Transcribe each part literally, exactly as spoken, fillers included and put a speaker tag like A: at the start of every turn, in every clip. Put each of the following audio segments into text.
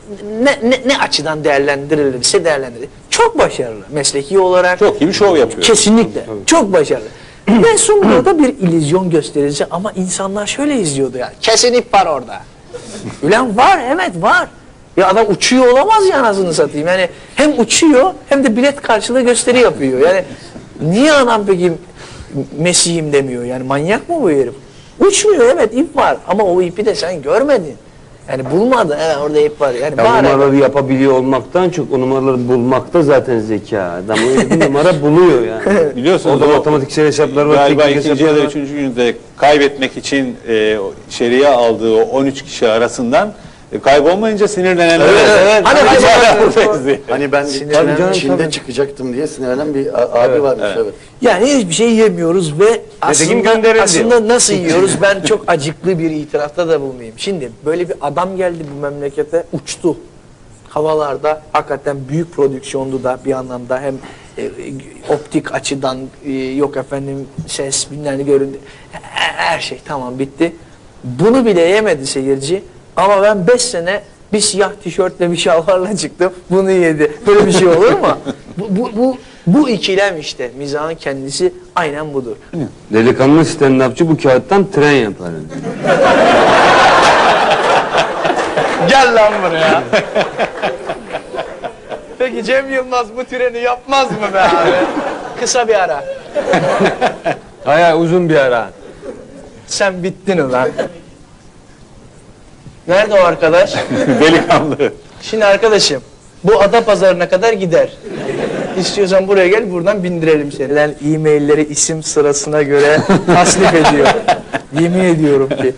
A: ne, ne, ne açıdan değerlendirilirse değerlendirilir. Çok başarılı mesleki olarak.
B: Çok iyi bir şov yapıyor.
A: Kesinlikle. Tabii, tabii. Çok başarılı. Ve sonra da bir illüzyon gösterisi ama insanlar şöyle izliyordu yani. Kesin ip var orada. Ulan var, evet var. Ya adam uçuyor olamaz ya, anasını satayım. Yani hem uçuyor hem de bilet karşılığı gösteri yapıyor. Yani niye adam peki Mesih'im demiyor? Yani manyak mı bu herif? Uçmuyor, evet ip var ama o ipi de sen görmedin. Yani bulmadın, evet orada ip var. Yani
C: ya numaraları yapabiliyor olmaktan çok o numaraları bulmakta zaten zeka. Adam öyle bir numara buluyor yani.
B: Biliyorsunuz
C: orada matematiksel hesaplar var.
B: Galiba ikinci ya da üçüncü günde kaybetmek için e, içeriye aldığı o on üç kişi arasından e, kaybolmayınca sinirlenenler.
A: Evet, evet. Hani,
D: hani, hani ben
A: Sinirlenen,
D: Çin'de
A: tabii.
D: çıkacaktım diye sinirlenen bir abi
B: evet,
D: varmış.
B: evet.
D: Evet.
A: Yani hiçbir şey yemiyoruz ve aslında, aslında nasıl yiyoruz? Ben çok acıklı bir itirafta da bulunayım. Şimdi böyle bir adam geldi bu memlekete, uçtu. Havalarda hakikaten büyük prodüksiyondu da bir anlamda, hem e, optik açıdan e, yok efendim ses bilmem ne göründü. Her, her şey tamam bitti. Bunu bile yemedi seyirci ama ben beş sene bir siyah tişörtle bir şalvarla çıktım. Bunu yedi. Böyle bir şey olur mu? Bu, bu, bu, bu ikilem işte. Mizahın kendisi aynen budur.
C: Delikanlı stand-upçı bu kağıttan tren yapar.
A: Gel lan buraya. Peki Cem Yılmaz bu treni yapmaz mı be abi? Kısa bir ara.
C: Hayır uzun bir ara.
A: Sen bittin ulan. Nerede o arkadaş?
B: Delikanlı.
A: Şimdi arkadaşım, bu Adapazarı'na kadar gider. İstiyorsan buraya gel, buradan bindirelim seni. E-mailleri isim sırasına göre tasnif ediyor. Yemin ediyorum ki.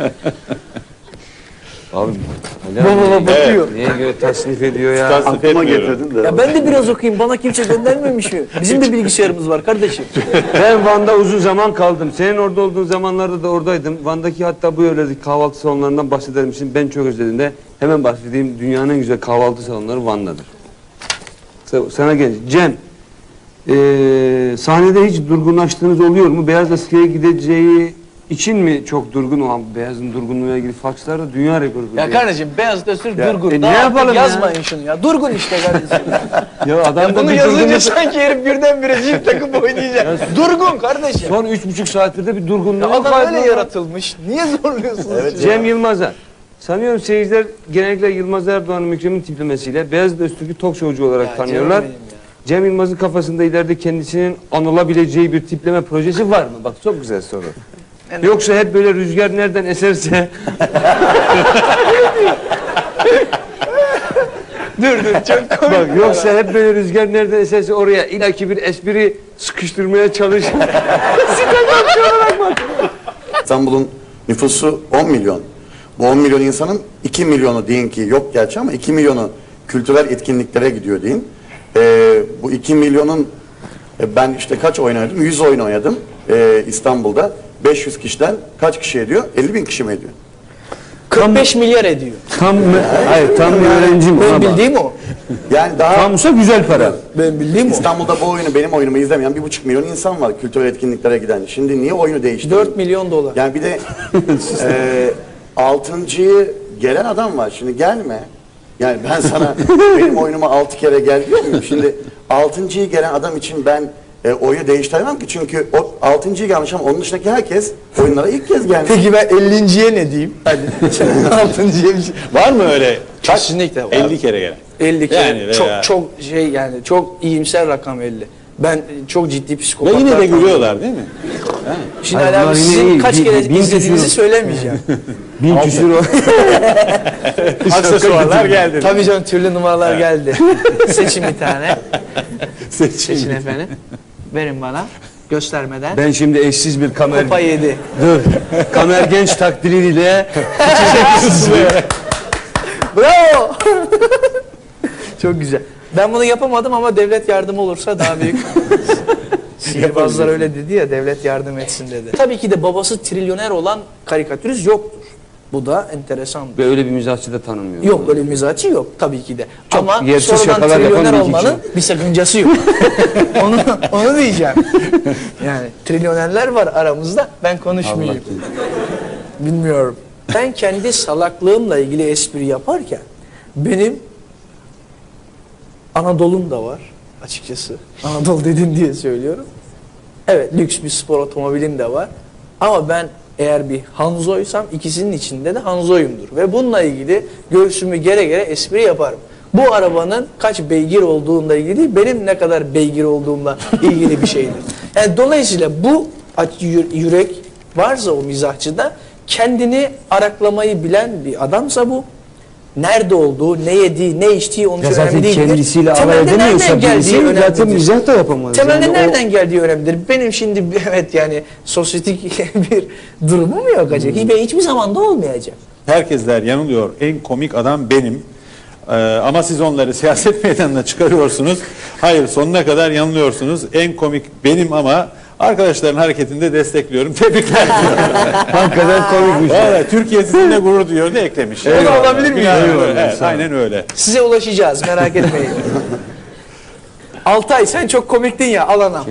C: Abi
A: Baba bakıyor.
C: neye göre tasnif ediyor ya?
B: Tasnif
D: Aklıma
B: etmiyorum.
D: getirdin de.
A: Ya ben de biraz okuyayım, bana kimse göndermemiş mi? Bizim de bilgisayarımız var kardeşim.
C: Ben Van'da uzun zaman kaldım. Senin orada olduğun zamanlarda da oradaydım. Van'daki hatta bu yöredeki kahvaltı salonlarından bahseder misin? Ben çok özledim de hemen bahsedeyim. Dünyanın en güzel kahvaltı salonları Van'dadır. Sana gel. Cem, ee, sahnede hiç durgunlaştığınız oluyor mu? Beyaz Askı'ya gideceği için mi çok durgun? O an Beyaz'ın durgunluğuyla ilgili fakslarda dünya rekoru.
A: Ya kardeşim Beyaz Öztürk durgun.
C: e
A: Daha
C: ne
A: artık
C: yapalım ya?
A: yazmayın şunu ya. Durgun işte kardeşim.
C: Ya adam
A: Ya
C: da
A: bunu
C: bir
A: yazınca
C: durgunluk-
A: sanki herif birdenbire jip takıp oynayacak. Durgun kardeşim.
C: Son üç buçuk saattir de bir durgunluğu
A: Ya adam
C: var.
A: öyle yaratılmış. Niye zorluyorsunuz?
D: Evet,
C: Cem Yılmaz'a. Sanıyorum seyirciler genellikle Yılmaz Erdoğan'ın Mükrem'in tiplemesiyle Beyazıt Öztürk'ü tok showcu olarak
A: Ya
C: tanıyorlar.
A: canım benim ya.
C: Cem Yılmaz'ın kafasında ileride kendisinin anılabileceği bir tipleme projesi var mı? Bak çok güzel soru. Yoksa hep böyle rüzgar nereden eserse...
A: Dur dur çok komik.
C: Bak yoksa hep böyle rüzgar nereden eserse oraya ilaki bir espri sıkıştırmaya çalış.
D: İstanbul'un nüfusu on milyon. Bu on milyon insanın iki milyonu deyin ki yok gerçi ama iki milyonu kültürel etkinliklere gidiyor deyin. Ee, bu iki milyonun e, ben işte kaç oynadım? yüz oyun oynadım ee, İstanbul'da. beş yüz kişiden kaç kişi ediyor? elli bin kişi mi ediyor?
A: kırk beş milyar ediyor.
C: Tam mı? Hayır tam bir öğrenciyim.
A: Ben
C: ona bak.
A: bildiğim o.
D: Yani daha
C: Tamsa güzel para.
A: Ben bildiğim o.
D: İstanbul'da bu oyunu benim oyunumu izlemeyen bir buçuk milyon insan var kültürel etkinliklere giden. Şimdi niye oyunu değiştirdin?
A: dört milyon dolar.
D: Yani bir de e, altıncıyı gelen adam var. Şimdi gelme. Yani ben sana benim oyunuma altı kere gel diyor muyum? Şimdi altıncıyı gelen adam için ben e, oyu değiştiremem ki. Çünkü o altıncıyı gelmiş ama onun dışındaki herkes oyunlara ilk kez gelmiş.
A: Peki ben ellinciye ne diyeyim? Hadi. altıncıya bir şey.
B: Var mı öyle?
A: Kesinlikle var.
B: elli kere gelen.
A: elli kere.
B: Yani veya-
A: çok çok şey yani çok iyimser rakam elli. Ben çok ciddi
B: Ve
A: psikopatlar.
B: yine de
A: tanıyorum.
B: gülüyorlar değil mi?
A: Şimdi
C: Hayır,
A: Ali
C: bunlar
A: abi
C: yine
A: sizin
C: iyi.
A: kaç
C: Bin-
A: kere
C: bin
A: izlediğinizi
C: küsur.
A: söylemeyeceğim.
C: Bin küsur o.
B: Aksesuarlar geldi.
A: Tabii canım türlü numaralar geldi. Seçin bir tane.
B: Seçin.
A: Seçin efendim. Verin bana. Göstermeden.
C: Ben şimdi eşsiz bir kamer...
A: Kupa yedi.
C: Dur. Kamer genç takdiriyle...
A: Bravo. Çok güzel. Ben bunu yapamadım ama devlet yardımı olursa daha büyük. Sihirbazlar öyle dedi ya, devlet yardım etsin dedi. Tabii ki de babası trilyoner olan karikatürist yoktur. Bu da enteresan.
C: Ve öyle bir mizahçı da tanımıyorum.
A: Yok öyle bir mizahçı yok tabii ki de.
C: Çok
A: Ama
C: yersiz
A: sonradan
C: şakalar yapan
A: trilyoner
C: bir iki
A: olmanın bir sakıncası yok. onu, onu diyeceğim. Yani trilyonerler var aramızda, ben konuşmayayım. Bilmiyorum. Ben kendi salaklığımla ilgili espri yaparken benim Anadolu'm da var açıkçası. Anadolu dedin diye söylüyorum. Evet, lüks bir spor otomobilim de var. Ama ben eğer bir Hanzo'ysam ikisinin içinde de Hanzo'yumdur. Ve bununla ilgili göğsümü gere gere espri yaparım. Bu arabanın kaç beygir olduğunla ilgili değil, benim ne kadar beygir olduğumla ilgili bir şeydir. Yani dolayısıyla bu yürek varsa o mizahçıda, kendini araklamayı bilen bir adamsa bu, nerede olduğu, ne yediği, ne içtiği onun için
C: Ya zaten
A: önemli değildir.
C: kendisiyle alay
A: Temelde
C: edemiyorsa
A: nereden geldiği
C: birisi zaten
A: önemlidir.
C: mizah da yapamaz.
A: Temelde
C: Yani o-
A: nereden geldiği önemlidir. Benim şimdi evet yani sosyetik bir durumum yok acaba. Ben hiçbir zaman da olmayacak.
B: Herkesler yanılıyor. En komik adam benim. Ee, ama siz onları siyaset meydanına çıkarıyorsunuz. Hayır, sonuna kadar yanılıyorsunuz. En komik benim ama arkadaşların hareketinde destekliyorum. Tebrikler diyorum.
C: Hakikaten komikmiş.
B: Valla Türkiye sizinle gurur duyuyor ne eklemiş.
A: O da olabilir mi yani?
B: Evet, evet, aynen öyle.
A: Size ulaşacağız, merak etmeyin. Altay sen çok komiktin ya, al anam.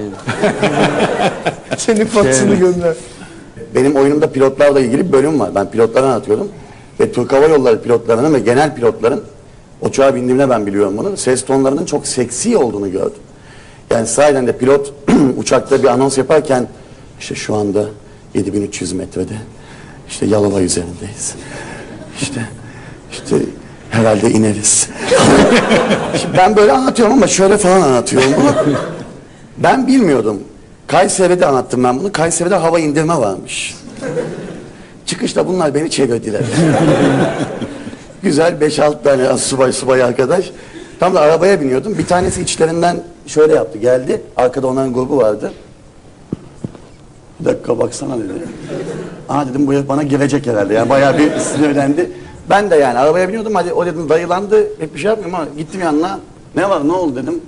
A: Senin faksını gönder.
D: Benim oyunumda pilotlarla ilgili bir bölüm var. Ben pilotları anlatıyorum. Ve Türk Hava Yolları pilotlarının ve genel pilotların, uçağa bindiğimde ben biliyorum bunu, ses tonlarının çok seksi olduğunu gördüm. Yani sahiden de pilot uçakta bir anons yaparken, işte şu anda yedi bin üç yüz metrede, işte Yalova üzerindeyiz. İşte, işte herhalde ineriz. Şimdi ben böyle anlatıyorum ama şöyle falan anlatıyorum bunu. Ben bilmiyordum. Kayseri'de anlattım ben bunu. Kayseri'de hava indirme varmış. Çıkışta bunlar beni çevirdiler. Güzel beş altı tane subay subay arkadaş. Tam da arabaya biniyordum. Bir tanesi içlerinden şöyle yaptı. Geldi. Arkada onların grubu vardı. Bir dakika baksana dedi. Aa dedim bu herif bana girecek herhalde. Yani bayağı bir sinirlendi. Ben de yani arabaya biniyordum. Hadi o dedim dayılandı. Pek bir şey yapmıyorum ama gittim yanına. Ne var ne oldu dedim.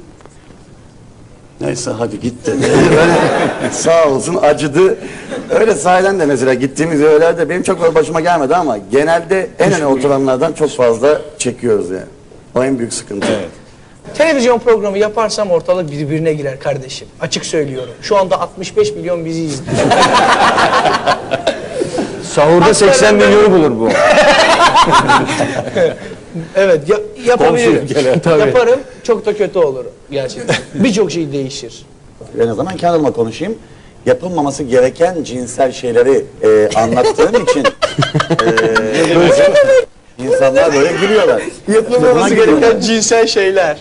D: Neyse hadi git dedi. Böyle sağ olsun acıdı. Öyle sahiden de mesela gittiğimiz yerlerde benim çok öyle başıma gelmedi ama genelde en öne oturanlardan çok fazla çekiyoruz yani. O en büyük sıkıntı.
B: Evet.
A: Televizyon programı yaparsam ortalık birbirine girer kardeşim. Açık söylüyorum. Şu anda altmış beş milyon bizi izliyor.
C: Sahurda seksen milyonu bulur bu.
A: Evet ya, yapabilirim.
B: Komşuluk gelen.
C: Tabii.
A: Yaparım, çok da kötü olur gerçekten. Birçok şey değişir.
D: En azından kendim konuşayım. Yapılmaması gereken cinsel şeyleri e, anlattığım için e, böyle, insanlar böyle gülüyorlar.
A: Yapılmaması
D: Buna
A: gereken cinsel şeyler.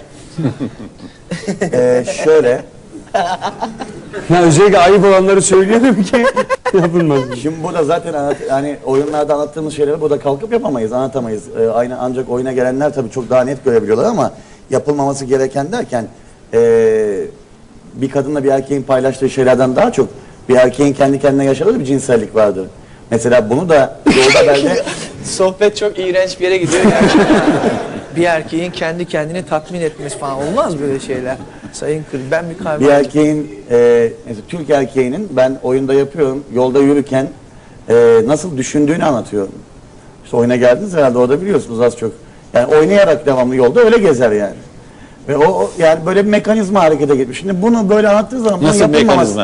D: E, şöyle,
C: Ya özellikle ayıp olanları söylüyorum ki yapılmaz.
D: şimdi burada zaten anlat, yani oyunlarda anlattığımız şeyleri burada kalkıp yapamayız, anlatamayız. E, aynı ancak oyuna gelenler tabii çok daha net görebiliyorlar ama yapılmaması gereken derken e, bir kadınla bir erkeğin paylaştığı şeylerden daha çok bir erkeğin kendi kendine yaşadığı bir cinsellik vardır. Mesela bunu da yolda bende
A: Sohbet çok iğrenç bir yere gidiyor gerçekten. Bir erkeğin kendi kendini tatmin etmesi falan olmaz böyle şeyler. Sayın Kır, ben bir kahve
D: bir erkeğin e, mesela Türk erkeğinin ben oyunda yapıyorum yolda yürürken e, nasıl düşündüğünü anlatıyorum. İşte oyuna geldiniz herhalde orada biliyorsunuz az çok. Yani oynayarak devamlı yolda öyle gezer yani. Ve o, o yani böyle bir mekanizma harekete geçmiş. Şimdi bunu böyle anlattığı zaman bunun
B: Nasıl
D: yapılmaması-
B: mekanizma?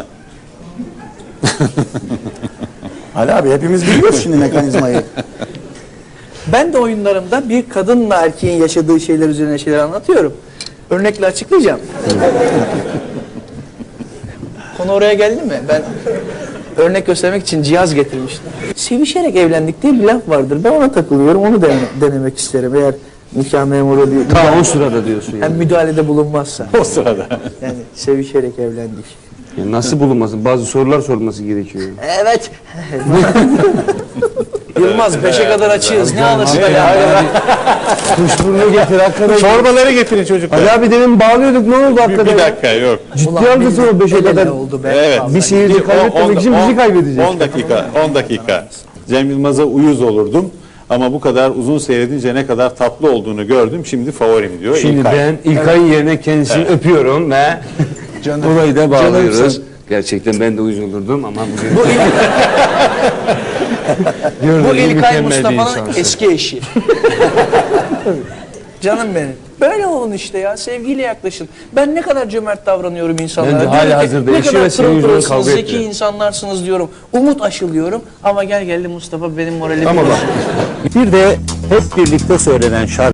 D: Ali abi hepimiz biliyoruz şimdi mekanizmayı.
A: Ben de oyunlarımda bir kadınla erkeğin yaşadığı şeyler üzerine şeyler anlatıyorum. Örnekle açıklayacağım. Konu oraya geldi mi? Ben örnek göstermek için cihaz getirmiştim. Sevişerek evlendik diye bir laf vardır. Ben ona takılıyorum. Onu dene- denemek isterim. Eğer nikah memuru bir
C: Ta o sırada diyorsun
A: hem
C: yani.
A: müdahalede bulunmazsa.
B: O sırada.
A: Yani sevişerek evlendik.
C: Yani nasıl bulunmasın? Bazı sorular sorulması gerekiyor.
A: Evet. Yılmaz beşe kadar açığız. Ne alırsın ya?
C: Kuşburnu getir hakikaten.
B: Çorbaları getirin çocuklar.
C: Ali abi demin bağlıyorduk ne oldu
B: Bir,
C: hakikaten?
B: bir dakika yok.
C: Ciddi haklısın o beşe kadar.
A: oldu be.
B: Evet.
A: Vallahi.
C: Bir seyirci kaybetmemek için bizi kaybedeceğiz.
B: on dakika, on dakika. Cem Yılmaz'a uyuz olurdum. Ama bu kadar uzun seyredince ne kadar tatlı olduğunu gördüm. Şimdi favorim diyor.
C: Şimdi
B: İlkay.
C: ben İlkay'ın yerine kendisini öpüyorum ve olayı da bağlıyoruz.
A: Canımsın.
C: Gerçekten ben de uyuz olurdum ama bugün...
A: Bu, il,
C: Gördüğünüz
A: bu
C: gibi
A: İlkay
C: mükemmel bir
A: Mustafa'nın
C: insansın.
A: eski eşi. Canım benim. Böyle olun işte ya. Sevgiyle yaklaşın. Ben ne kadar cömert davranıyorum insanlara.
C: Bence
A: Diyorum
C: hali
A: ki,
C: hazırda
A: ne
C: eşi
A: kadar
C: ve senin
A: pırıl
C: yüzünden
A: pırılsınız,
C: kavga
A: zeki
C: ettiler.
A: insanlarsınız diyorum. Umut aşılıyorum. Ama gel geldi Mustafa benim moralimi
C: Ama bak.
E: Bir de hep birlikte söylenen şarkı